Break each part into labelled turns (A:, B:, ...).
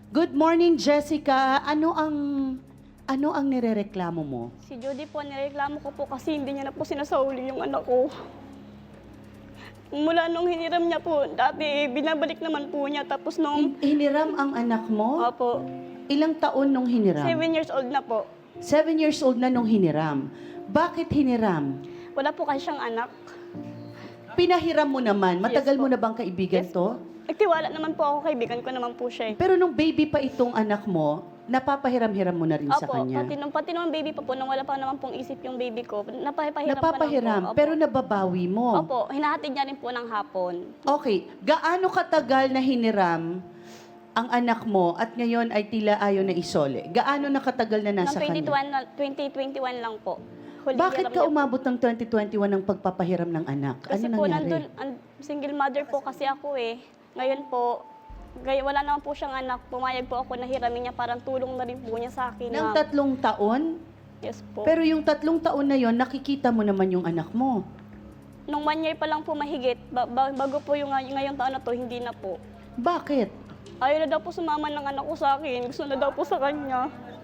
A: Good morning, Jessica. Ano ang nirereklamo mo?
B: Si Judy po, nireklamo ko po kasi hindi niya na po sinasauli yung anak ko. Mula nung hiniram niya po, dati binabalik naman po niya. Tapos nung,
A: Hiniram ang anak mo?
B: opo,
A: Ilang taon nung hiniram?
B: 7 years old na po.
A: 7 years old na nung hiniram. Bakit hiniram?
B: Wala po kasi siyang anak.
A: Pinahiram mo naman. Matagal
B: Yes po.
A: mo na bang kaibigan
B: Yes
A: to?
B: Nagtiwala naman po ako, kaibigan ko naman po siya.
A: Pero nung baby pa itong anak mo, napapahiram-hiram mo na rin sa
B: Opo,
A: kanya.
B: pati nung baby pa po, nung wala pa naman pong isip yung baby ko, napapahiram
A: Napapahiram,
B: pa lang po. Opo.
A: pero nababawi mo.
B: Opo, hinahatid niya rin po ng hapon.
A: Okay, gaano katagal na hiniram ang anak mo at ngayon ay tila ayaw na isole? Gaano nakatagal na nasa
B: Noong
A: kanya?
B: 2021 lang po. Huli
A: Bakit
B: hiram
A: ka
B: niya po.
A: umabot ng 2021 ng pagpapahiram ng anak?
B: Kasi
A: Ano
B: po
A: nangyari?
B: single mother po kasi ako eh. Ngayon po, wala naman po siyang anak. Pumayag po ako na hiramin niya, parang tulong na rin po niya sa akin.
A: Ng
B: ma'am.
A: 3 taon?
B: Yes po.
A: Pero yung 3 taon na yon, nakikita mo naman yung anak mo.
B: Nung 1 year pa lang po mahigit, bago po yung ngayong taon na to, hindi na po.
A: Bakit?
B: Ayaw na daw po sumama ng anak ko sa akin. Gusto na daw po sa kanya.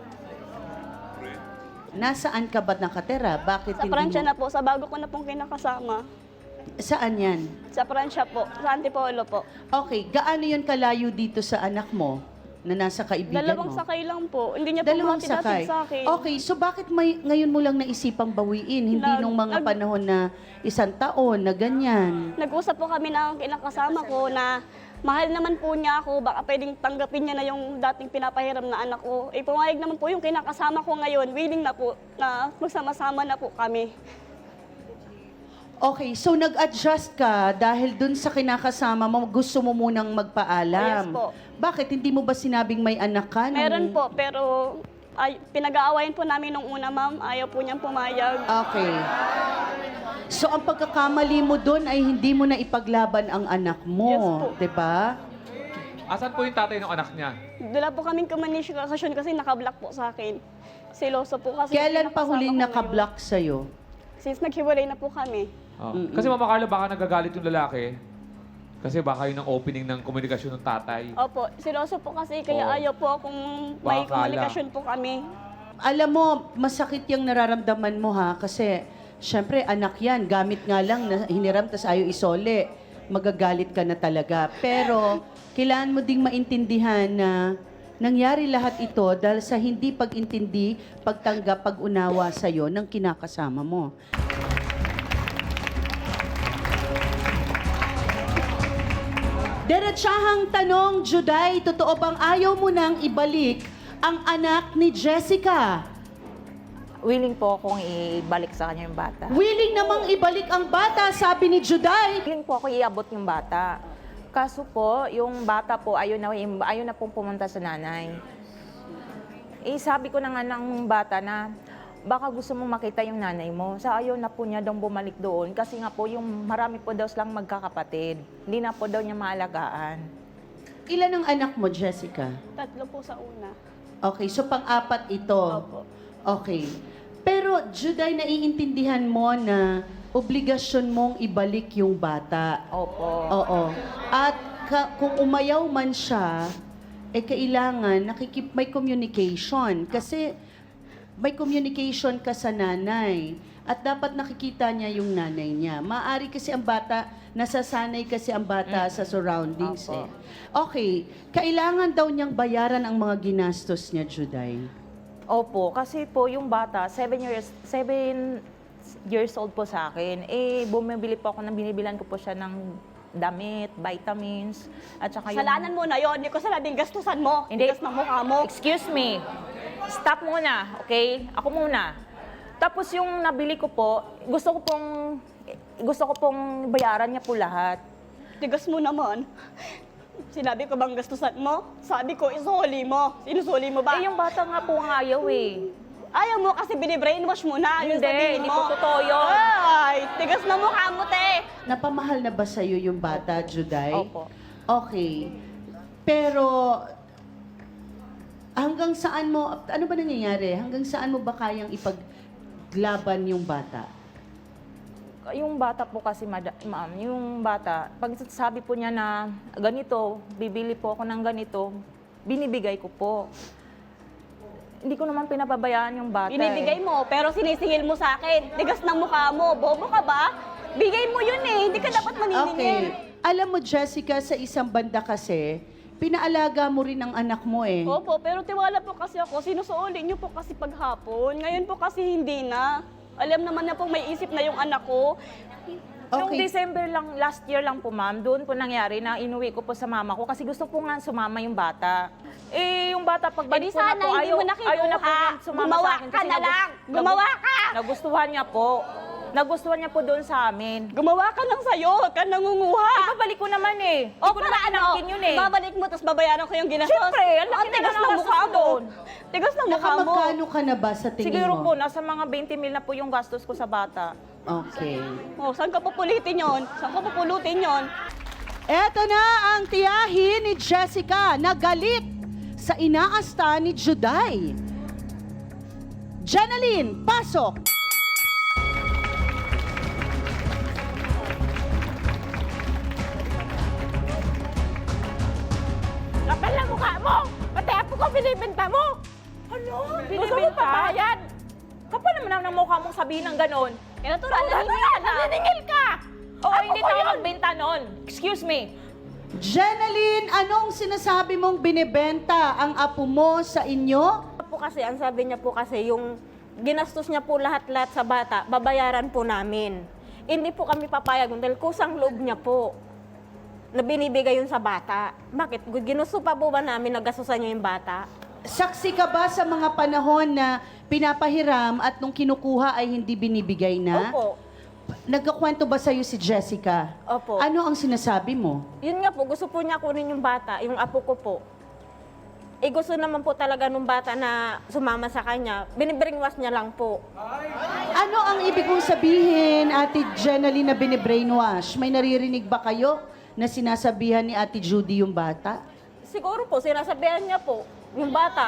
A: Nasaan ka ba nakatira? Bakit
B: Sa
A: hindi
B: Pransya
A: mo?
B: na po, sa bago ko na pong kinakasama.
A: Saan yan?
B: Sa Pransya po, sa Antipolo po.
A: Okay, gaano yun kalayo dito sa anak mo na nasa kaibigan
B: Dalawang
A: mo?
B: sakay lang po. Hindi niya po
A: Dalawang
B: hatid-hatid
A: sakay.
B: sa akin.
A: Okay, so bakit ngayon mo lang naisipang bawiin? Hindi nung mga panahon na 1 taon na ganyan.
B: Nag-usap po kami ng kinakasama ko na mahal naman po niya ako, baka pwedeng tanggapin niya na yung dating pinapahiram na anak ko. Eh, pumayag naman po yung kinakasama ko ngayon, willing na po na magsama-sama na po kami.
A: Okay, so nag-adjust ka dahil dun sa kinakasama mo, gusto mo munang magpaalam.
B: Yes po.
A: Bakit? Hindi mo ba sinabing may anak ka?
B: Meron po, pero pinag-aawayan po namin nung una, ma'am. Ayaw po niyang pumayag.
A: Okay. So ang pagkakamali mo doon ay hindi mo na ipaglaban ang anak mo,
B: Yes po.
A: 'di ba?
C: Asan po yung tatay ng anak niya?
B: Dala po kaming communication kasi nakablock po sa akin. Siloso po kasi.
A: Kailan pa
B: kinakasama
A: huling
B: ko ngayon.
A: naka-block sa'yo?
B: Since naghiwalay na po kami.
C: Oh. Kasi Mama Carla, baka nagagalit yung lalaki. Kasi baka yun ang opening ng komunikasyon ng tatay.
B: Opo, siloso po kasi kaya
C: Oo.
B: ayaw po akong may
C: Baka
B: komunikasyon po kami.
A: Alam mo, masakit yung nararamdaman mo ha, kasi syempre anak yan, gamit nga lang na hiniram tas ayaw isole, magagalit ka na talaga. Pero kailangan mo ding maintindihan na nangyari lahat ito dahil sa hindi pag-intindi, pagtanggap, pag-unawa sa'yo ng kinakasama mo. Diretsahang tanong, Juday, totoo bang ayaw mo nang ibalik ang anak ni Jessica?
D: Willing po akong ibalik sa kanya yung bata.
A: Willing namang ibalik ang bata, sabi ni Juday.
D: Willing po ako iabot yung bata. Kaso po, yung bata po, ayaw na pong pumunta sa nanay. Eh, sabi ko na nga ng bata na, baka gusto mo makita yung nanay mo. Sa ayaw na po niya daw bumalik doon. Kasi nga po, yung marami po daw silang magkakapatid. Hindi na po daw niya maalagaan.
A: Ilan ang anak mo, Jessica?
B: 3 po sa una.
A: Okay, so pang-apat ito.
B: Opo.
A: Okay. Pero, Juday, naiintindihan mo na obligasyon mong ibalik yung bata.
D: Opo.
A: Oo. At kung umayaw man siya, eh kailangan may communication. Kasi may communication ka sa nanay. At dapat nakikita niya yung nanay niya. Maari kasi ang bata, nasasanay kasi ang bata sa surroundings
D: Opo.
A: eh. Okay. Kailangan daw niyang bayaran ang mga ginastos niya, Juday.
D: Opo, kasi po yung bata, 7 years old po sa akin. Eh, bumibili po ako binibilan ko po siya ng damit, vitamins, at saka yung...
B: Kasalanan mo na yon, hindi ko sinabing gastusan mo.
D: Hindi.
B: Tigas ng mukha mo.
D: Excuse me. Stop muna, okay? Ako muna. Tapos yung nabili ko po, gusto ko pong bayaran niya po lahat.
B: Tigas mo naman. Sinabi ko bang gastusan mo? Sabi ko, isuli mo. Sinusuli mo ba?
D: Eh, yung bata nga po ang ayaw eh.
B: Ayaw mo kasi binibrainwash mo na. Yung
D: Hindi,
B: sabihin
D: hindi
B: mo.
D: po totoo yun.
B: Ay, tigas na mukha mo, te.
A: Napamahal na ba sa'yo yung bata, Juday?
D: Opo.
A: Okay. Pero, hanggang saan mo, ano ba nangyayari? Hanggang saan mo ba kayang ipaglaban yung bata?
D: Yung bata po kasi, ma'am, yung bata, pag sabi po niya na ganito, bibili po ako ng ganito, binibigay ko po. Hindi ko naman pinapabayaan yung bata.
B: Binibigay mo, pero sinisingil mo sa akin. Tigas ng mukha mo. Bobo ka ba? Bigay mo yun eh. Hindi ka dapat maniningil.
A: Okay. Alam mo, Jessica, sa isang banda kasi, pinaalaga mo rin ang anak mo eh.
B: Opo, pero tiwala po kasi ako. Sinusuoli niyo po kasi paghapon. Ngayon po kasi hindi na. Alam naman na po may isip na yung anak ko.
D: Noong
A: Okay.
D: December lang, last year lang po ma'am, doon po nangyari na inuwi ko po sa mama ko kasi gusto po nga sumama yung bata. Eh, yung bata pagbalik
B: Di
D: ko na
B: sana
D: po,
B: hindi mo na
D: ayaw na po
B: kinuha.
D: niya sumama
B: Gumawa
D: sa akin.
B: ka na lang. Gumawa ka!
D: Nagustuhan niya po. Nagustuhan niya po doon sa amin.
B: Gumawa ka lang sa'yo. Huwag ka nangunguha.
D: Ibabalik ko naman eh.
B: O
D: Hindi ko
B: para
D: naman
B: ano,
D: inangkin yun eh.
B: babalik mo tapos babayaran ko yung ginastos.
D: Siyempre, ang laki na
B: tigas
D: ng
B: ng
D: gastos
B: mukha
D: ko
B: mo.
D: doon.
B: Tigas ng mukha mo.
A: Nakamagkano ka na ba sa tingin
D: Siguro
A: mo?
D: po, nasa mga 20 mil na po yung gastos ko sa bata.
A: Okay.
B: Oh, saan ka pupulitin yon? Saan ka pupulutin yon?
A: Eto na ang tiyahin ni Jessica na galit sa inaasta ni Juday. Jenaline, pasok!
D: Kapal na mukha mo! Pati apo ko binibenta mo! Ano? Gusto mo pabayad? Kapal naman ng mukha mong sabihin ng ganon.
B: Eh, natural,
D: Naniningil ka! Oo, hindi tayo magbenta nun. Excuse me.
A: Jenaline, anong sinasabi mong binibenta ang apo mo sa inyo?
E: Po kasi, ang sabi niya po kasi, yung ginastos niya po lahat-lahat sa bata, babayaran po namin. Hindi po kami papayag dahil kusang loob niya po na binibigay yun sa bata. Bakit? Ginusto pa po ba namin na gastusan niya yung bata?
A: Saksi ka ba sa mga panahon na pinapahiram at nung kinukuha ay hindi binibigay na?
E: Opo.
A: Nagkakwento ba sa'yo si Jessica?
E: Opo.
A: Ano ang sinasabi mo?
E: Yun nga po, gusto po niya kunin yung bata, yung apo ko po. Eh gusto naman po talaga nung bata na sumama sa kanya. Binibringwas niya lang po.
A: Ano ang ibig mong sabihin, Ate Jenaline, na binibrainwash? May naririnig ba kayo na sinasabihan ni Ate Judy yung bata?
E: Siguro po, sinasabihan niya po, yung bata.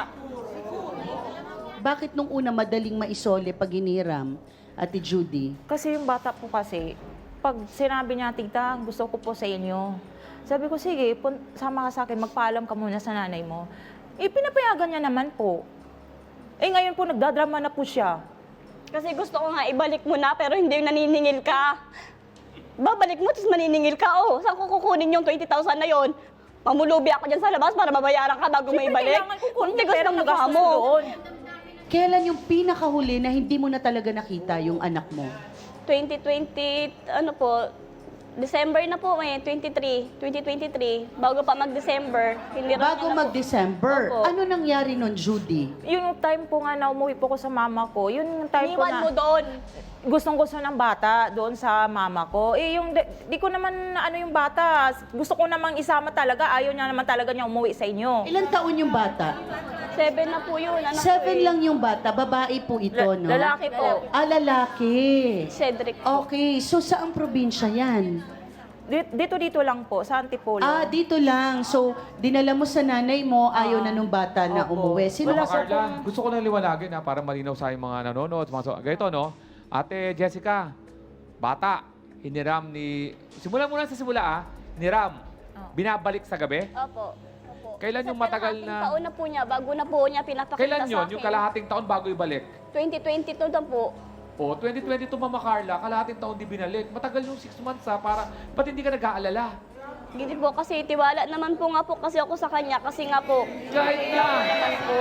A: Bakit nung una madaling maisole pag hiniram, Ate Judy?
D: Kasi yung bata po kasi, pag sinabi niya, tita, gusto ko po sa inyo. Sabi ko, sige, sama ka sa akin, magpaalam ka muna sa nanay mo. Eh, pinapayagan niya naman po. Eh, ngayon po, nagdadrama na po siya.
B: Kasi gusto ko nga ibalik mo na, pero hindi yung naniningil ka. Babalik mo, tapos maniningil ka. Oh, saan ko kukunin yung 20,000 na yon? Mamulubi ako dyan sa labas para mabayaran ka bago mo
D: Siyempre,
B: ibalik.
D: kailangan ko kunin
B: Ang tigas
D: yung pera
B: ng
D: na
B: mukha
D: gastos
B: mo.
D: ko doon.
A: Kailan yung pinakahuli na hindi mo na talaga nakita yung anak mo?
B: 2020, ano po, December na po eh, 2023, bago pa mag-December.
A: Bago mag-December,
B: Opo.
A: ano nangyari nun, Judy?
D: Yung time po nga na umuwi po ko sa mama ko, yun yung time po
B: Iniwan
D: na
B: mo doon.
D: gustong-gusto ng bata doon sa mama ko. Eh, yung, di ko naman ano yung bata, gusto ko namang isama talaga, ayaw niya naman talaga niya umuwi sa inyo.
A: Ilang taon yung bata?
B: 7 na po yun, anak
A: 7
B: ko eh.
A: lang yung bata, babae po ito, no?
D: Lalaki po.
A: Ah, lalaki.
B: Cedric po.
A: Okay, so saang probinsya yan?
D: Dito lang po, sa Antipolo.
A: Ah, dito lang. So, dinala mo sa nanay mo, ayaw na nung bata na
D: Opo.
A: umuwi. Sino
C: Mama
D: Wala sa
C: Carla, gusto ko lang liwanagin ha, para malinaw sa mga nanonood. Ganito, no? Ate Jessica, bata, hiniram ni... Simulan muna sa simula, hiniram. Binabalik sa gabi?
B: Opo.
C: Kailan yung
B: Sa
C: matagal
B: kalahating
C: na...
B: taon na po niya, bago na po niya pinapakita
C: Kailan
B: sa
C: yon?
B: akin.
C: Yung kalahating taon bago ibalik?
B: 2022 na po.
C: O, 2022, Mama Carla, kalahating taon di binalik. Matagal yung 6 months para... Ba't hindi ka nag-aalala?
B: Hindi po kasi tiwala naman po nga po kasi ako sa kanya kasi nga po.
C: Kahit na!
B: Naman po.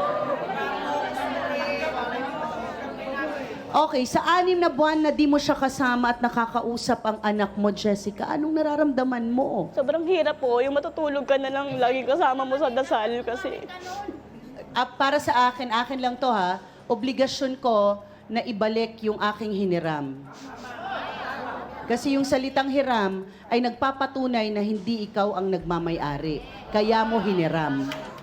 A: Okay, sa 6 na buwan na di mo siya kasama at nakakausap ang anak mo, Jessica, anong nararamdaman mo?
B: Sobrang hirap po. Yung matutulog ka na lang lagi kasama mo sa dasal kasi.
A: Para sa akin lang to ha, obligasyon ko na ibalik yung aking hiniram. Kasi yung salitang hiram ay nagpapatunay na hindi ikaw ang nagmamay-ari. Kaya mo hiniram.